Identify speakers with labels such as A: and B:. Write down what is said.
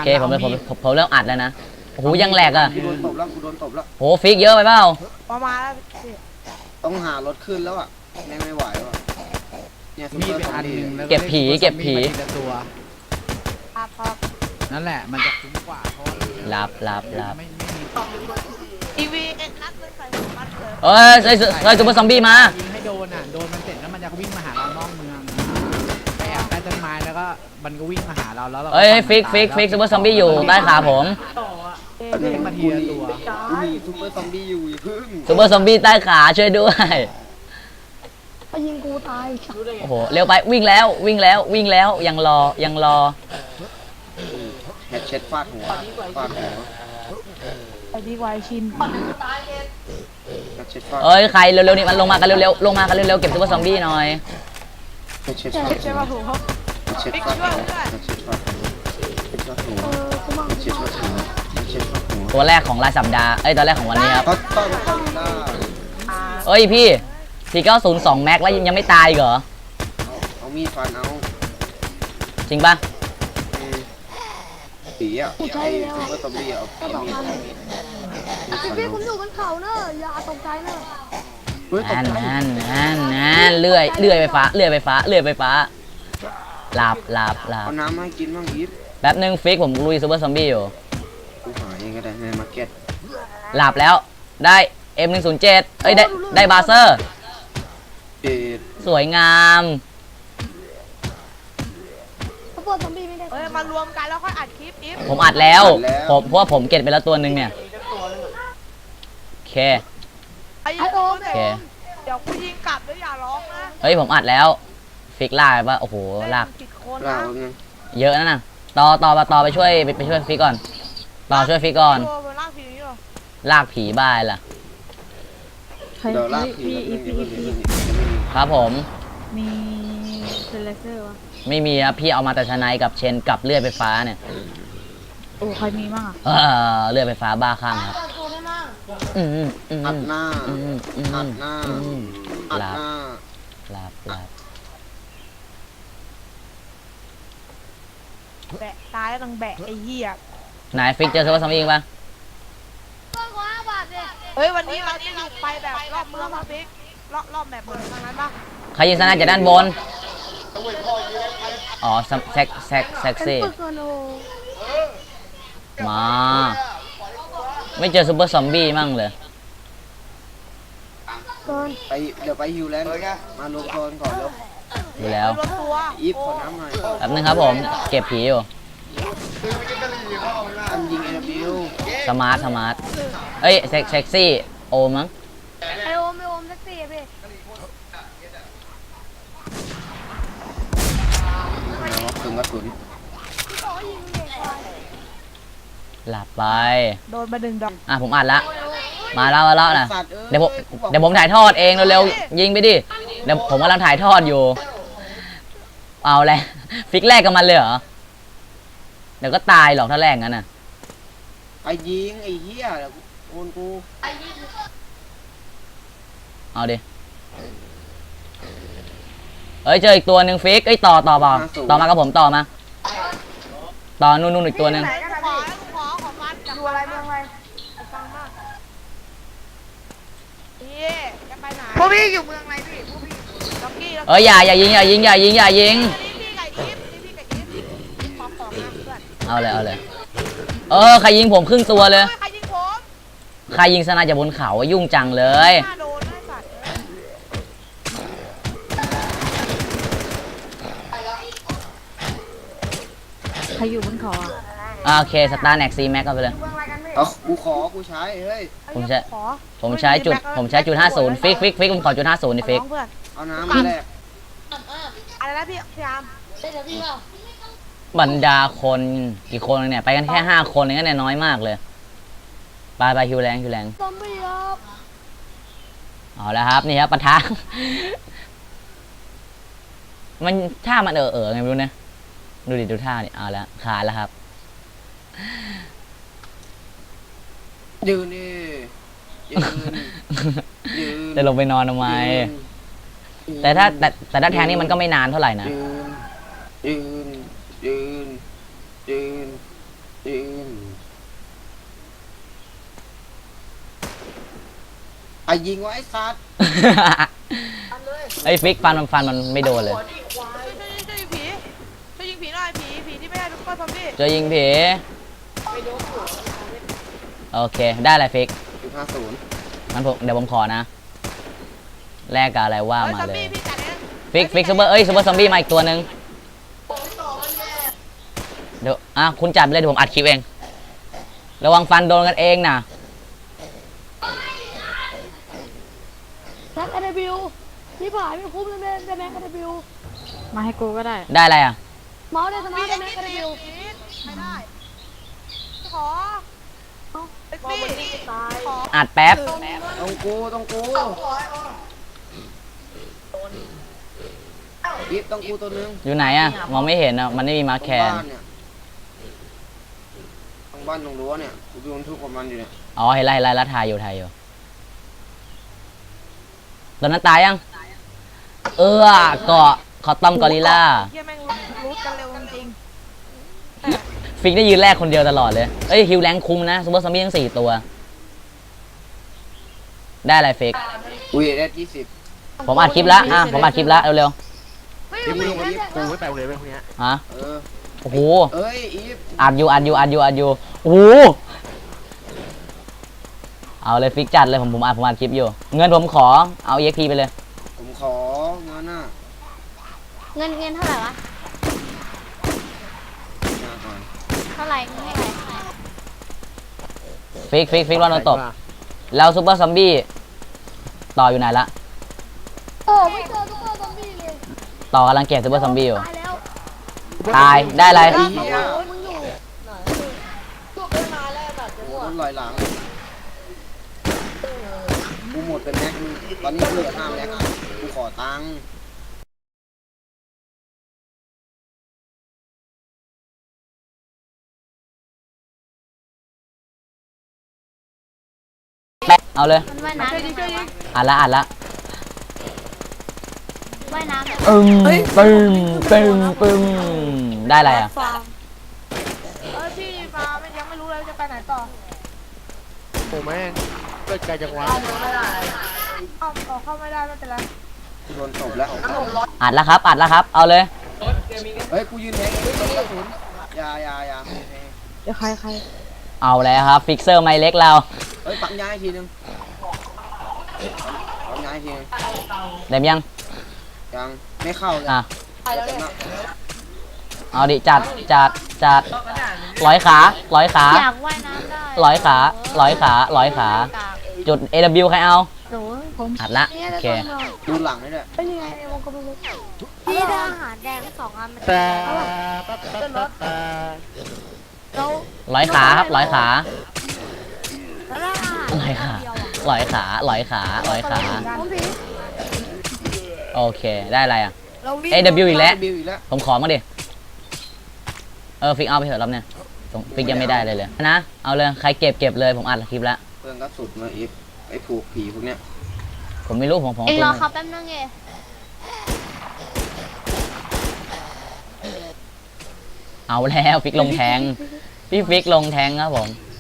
A: เคผมเริ่มอัดแล้วนะโอ้โหยังแหลกอ่ะ
B: กูโดนตบแล้วกูโดนตบแล้ว
A: โหฟิกเยอะไปเปล่า
C: ประมาณแล้วพี่
B: ต้องหารถขึ้นแล้วอ่ะไม่ไหวว่ะเนี่ยซุป
D: มี
B: เปอร์
D: เป็น
B: ซอม
D: อันห
B: บี้
D: นึ่งแล้ว
A: เก็บผีเก็บผี
D: ทีละตัว
C: ครับ
D: นั่นแหละมันจะคุ้มกว่าเพราะว่า
A: หลับ
D: ไม่มี
C: ทีวีเอ็นนัดเลยใส่นัดเลย
A: เอ้ยใส่ซูเปอร์ซอมบี้มา
D: ยิงให้โดนอ่ะโดนมันเสร็จแล้วมันจะวิ่งมาหาเรานอกเมืองไปแอบใต้ต้นไม้แล้วก็มันก็วิ่งมาหาเราแล้วเรา
A: เอ้ยฟิกซูเปอร์ซอมบี้อยู่ใต้ขาผม
D: วิ่งมาทีละตัว
B: กูมีซุปเปอร์ซอมบี้อยู่อย่าพึ่ง
A: ซูเปอร์ซอมบี้ใต้ขาช่วยด้วย
E: ไปยิงกูตาย
A: โอ้โหเร็วไปวิ่งแล้วยังรอ
B: แฮชเช็ดฟาดหัวฟาดหัว
C: ไปดีกว่าชิน
B: แฮชเช็ดฟาด
A: เอ้ยใครเร็วๆนี่มันลงมากันเร็วๆลงมากันเร็วๆเก็บซูเปอร์ซอมบี้หน่อย
B: แฮชเช็ดฟาด
C: ใช่
B: หัว
C: ป่ะถูกเขา
B: แฮชเช็ดฟาดหัวแฮชเช็ดฟาดหัวแฮชเช็ดฟาดหัว
E: กูมั่ง
B: แฮชเช็ดฟาดหัวแฮชเช็ดฟาดหัว
A: ตัวแรกของรายสัปดาห์ตัวแรกของวันนี้ครับ
B: เขาต้องเขาได้
A: เอ้ยพี่490 แม็กแล้วยังไม่ตายอีกเหรอ
B: เอามีดฟันเอา
A: จริงปะ
B: ผีอ่ะไอ้ซุปเปอร์ซอมบี้เอา
E: ก็บอกมันพี่ผมอยู่บนเขาเนอะอย่าตกใจเนอะ
B: เฮ้ยตก
A: นั่นเลื่อยไฟฟ้าหลับ
B: เอาน้ำมาให้กินบ้างอีฟ
A: แป๊บนึงฟิกผมลุยซูเปอร์ซอมบี้อยู่
B: กูหาเองก็ได้ในมาร์เก็ต
A: หลับแล้วได้ M107 เอ้ยได้บาเซอร์
B: เอ็ด
A: สวยงาม
E: ถ้าเปิดซอมบี้ไม่ได้
C: เอ้ยมารวมกันแล้วค่อยอัดคลิปอีฟ
A: ผมอัดแล้วเพราะว่าผมเก็บไปแล้วตัวหนึ่งเนี่ยโอเค
C: ไอ้
E: ไอโอม
A: โอเค
C: เดี๋ยวกูยิงกลับแล้วอย่าร้องนะ
A: เฮ้ยผมอัดแล้วฟิกลากไปปะโอ้โหลาก
C: ผิดคน
B: เรา
C: นะ
B: ไง
A: เยอะนะน่ะต่อไปช่วยฟิกก่อนต่อช่วยฟิกก่อน
C: ตัวมันลากผีนี่หรอ
A: ลากผีบ้ายล่ะ
B: เดี๋ยวลากผีแล้วเดี๋ยว
A: ครับผม
E: มีเซเลเซอร์วะ
A: ไม่มีครับพี่เอามาแต่ชนายกับเชนกับเลื่อยไฟฟ้าเนี่ย
E: โอ้ใครมีมั่งอ่ะ
A: เลื่อยไฟฟ้าบ้าคลั่งครับอืม
B: อัดหน้า
A: อืม
B: อัดหน้าอัด
A: หลับ
B: หน้า
A: หลับ
C: แบะตายแล้วต้องแบะไอ้เหี้ย
A: ไหนฟิกเจอซูเปอร์ซอมบี้ปะ
C: เฮ้ยวันนี้เราจะอยู่ไปแบบรอบเมืองมาพิกรอบแบบเมืองทางนั้นปะ
A: ใครยิงสนายจากด้านบนอ๋อแซ็กซี่
E: ปึกเงินโอ
A: มาไม่เจอซูเปอร์ซอมบี้มั่งเลย
E: เกิน
B: ไปเดี๋ยวไปฮิวแลนด์มารวมตัวกันก่อนแล้ว
A: ดูแล้ว
C: รวมตัว
B: อีฟขอน้ำหน่อย
A: แป๊บนึงครับผมเก็บผีอยู่
B: อันยิง AW
A: สมาร์ทเอ้ยเซ็กซี่โอมั้ง
E: ไอโอมแท็กซี่อะพี่
B: ถึงกระสุน
E: พี่บอกว่ายิงเด็กไป
A: หลับไป
C: โดนมาดึงดอก
A: ผมอัดละมาแล้วนะ
B: สัตว์
A: เดี๋ยวผมถ่ายทอดเองเร็วๆยิงไปดิเดี๋ยวผมกำลังถ่ายทอดอยู่เอาเลยฟิกแรกกับมันเลยเหรอเดี๋ยวก็ตายหรอกถ้าแรกงั้นน่ะ
B: ไอ้ยิงไอ้เหี้ยเดี๋ยวโอนกู
A: เอาดิเอ้ยเจออีกตัวหนึ่งฟิกเอ้ยต่อมากับผมต่อมาต่อนู่นอีกตัวหนึ่ง
C: ไหนกันนะพี่ของมันอยู่อะไรเมืองอะไรฟังมากพี่จะไปไหนพวกพี่อยู่เมืองอะไรพี่พวกพี่ล็อกกี้
A: เอ้ยอย่ายิง
C: นี่พี่ไก่กิ๊บขอของนะเพื่อน
A: เอาเลยใครยิงผมครึ่งตัวเลย
C: ใครยิงผม
A: ใครยิงสนายจากบนเขายุ่งจังเลย
C: หน้าโดนไอ้สัตว์
E: ใครอยู่บนเขาอ่ะ
A: โอเคสตาร์แน็กซีแม็กก็ไปเลย
B: เอากูใช้เฮ้ย
A: ผมใช้จุด50ฟิกผมขอจุด50นี่ฟิก
C: เพื่อน
B: เอาน้ำมาแลก
C: อะไรนะพี่พยายาม
A: บรรดาคนกี่คนเนี่ยไปกันแค่5คนเองเนี่ยน้อยมากเลยไปฮิวแรง
E: ซอมบี้ครับ
A: เอาแล้วครับนี่ครับปะทะ มันท่ามันไงไม่รู้นะดูท่านี่เอาแล้วขาดแล้วครับ
B: ยืนนี่ยืน
A: จะลงไปนอนทำไมแต่ถ้าแทงนี่มันก็ไม่นานเท่าไหร่นะ
B: ยืนยืนยิงวะไอ้ซัด
A: ไอ้ฟิกฟันมันไม่โดนเลย
C: ช่วยยิงผีช่วยยิงผีหน่อยผีที่ไม่ได้ทุกคนซอมบี้
A: จะยิงผีโอเคได้อะไรฟิก
B: 50
A: งั้นผมเดี๋ยวผมขอนะแลกกับอะไรว่า
C: เฮ้ย
A: มา
C: ซอม
A: เล
C: บี้
A: ย
C: พี่จัดเอง
A: ฟิกซูเปอร์ซอมบี้มาอีกตัวหนึ่งเดี๋ยวคุณจัดไปเลยเดี๋ยวผมอัดคลิปเองระวังฟันโดนกันเองนะ
E: แม็กอะเดบิวที่ผ่านไม่คุ้มเลยแม่จะแม็กอะเดบิว
F: มาให้กูก็ได้
A: ได้อะไรอ่ะ
E: เมาส์ได้สมา
C: พี่
E: ร์ท
C: ได้
E: ได้แม็ก
C: กิน
E: อะเด
C: ดี
E: บิว
C: ไม่ได้ขอเอ็กซี่ขอ
A: อัดแป๊บ
B: ต้องกูอีฟต้องกูตัวนึง
A: อยู่ไหนอ่ะมองไม่เห็นอ่ะมันไม่มีมาร์คแคน
B: บ้านเนี่ยตรงบ้านตรงรั้วเนี่ยกูโดนทุกคนมันอยู่เนี่ย
A: อ๋อเห็นไรแล้วถ่ายอยู่ตอนนั้นตายยังเกาะคอตตอมกอริลล่า
C: เฮียแม่งรู้กันเร็วจริง
A: ฟิกได้ยืนแรกคนเดียวตลอดเลยเอ้ยฮิวแรงคุ้มนะซูเปอร์ซอมบี้ทั้ง4ตัวได้อะไรฟิก
B: อุ้ยได้20
A: ผมอัดคลิปแล้วผมอัดคลิปแล้วเร็ว
E: เฮ้ย
B: เดี๋ยวมึงวันนี้
D: กูไม่ไปโรงเรียนเว้ยพวกเนี้ย
A: ๆฮะ
B: เออ
A: โอ้โห
B: เอ้ยอีฟ
A: อัดอยู่โอ้โหเอาเลยฟิกจัดเลยผมอัดคลิปอยู่เงินผมขอเอา EXP ไปเลย
B: ผมขอเงินน่ะ
E: เงินเท่าไหร่วะ
B: มาก่อน
E: เท่าไหร่เงินเท่าไหร่
A: ฟิกว่าโดนตบแล้วซูเปอร์ซอมบี้ต่ออยู่ไหนละ
E: โอ้ไม่เจอซุปเปอร์ซอมบี้เลย
A: ต่อกำลังเก็บซูเปอร์ซอมบี้อยู่
E: ตายแล้ว
A: ตายได้อะไร
E: โอ้มึงอยู่
B: โดนลอยหลังกูหมดเป็นแม็กนึงตอนนี้เหลือ5แม็กกูขอตังค์
A: เอาเลย
E: มันว่ายน้ำยังไงวะ
A: อัดละ
E: ว่ายน้ำยังไง
A: ปึ้มได้อะไรอ่ะ
C: ๆพี่มายังไม่รู้เลยจะไปไหนต่อ
D: โอ้แม่งเกิดไกลจังวะ
C: เข้าไม่ได้ไม่เป็นไร
B: กูโดนตบแล้ว
A: อัดแล้วครับเอาเลย
B: เฮ้ยกูยืนแทงเองตบกระสุนอย่า
F: เดี๋ยวใคร
A: เอาแล้วครับฟิกเซอร์ไมเล็กเรา
B: เฮ้ยปักย้ายทีนึงปักย้ายทีนึง
A: เต็มยัง
B: ยังไม่เข้าเลย
A: อ่ะ
B: เต็มแล้ว
A: เอาดิจัดร้อยขา
E: อยากว่ายน้ำได้
A: ร้อยขา จุด AW ใครเอา
E: หนูผม
A: อัดละ
E: เนี่ย
A: โอเค
B: ดูหลังนี่แหละ
E: เป็นยังไงในวงกลมพี่ได้อาหารแดง2 อันมัน
D: แต่
E: แล้ว
A: ร้อยขาครับร้อยขา
E: แล้วได้อาหาร
A: ร้อยขา
E: เดียวอะ
A: ร้อยขา
E: ผมผี
A: โอเคได้อะไรอ่ะ
C: เราวิ่ง
A: AW อีกแล้ว
B: บิวอีกแล้ว
A: ผมขอมาดิฟิกเอาไปเถอะรอบเนี่ยฟิกยังไม่ได้เลยนะเอาเลยใครเก็บเลยผมอัดคลิปแล้ว
B: เพื่อนก็สุดมาอีฟไอ้ผูกผีพวกเนี้ย
A: ผมไม่รู้ผม
E: เองรอเขาแป๊บนึงเอง
A: เอาแล้วฟิกลงแทงพี่ฟิกลงแทงครับผม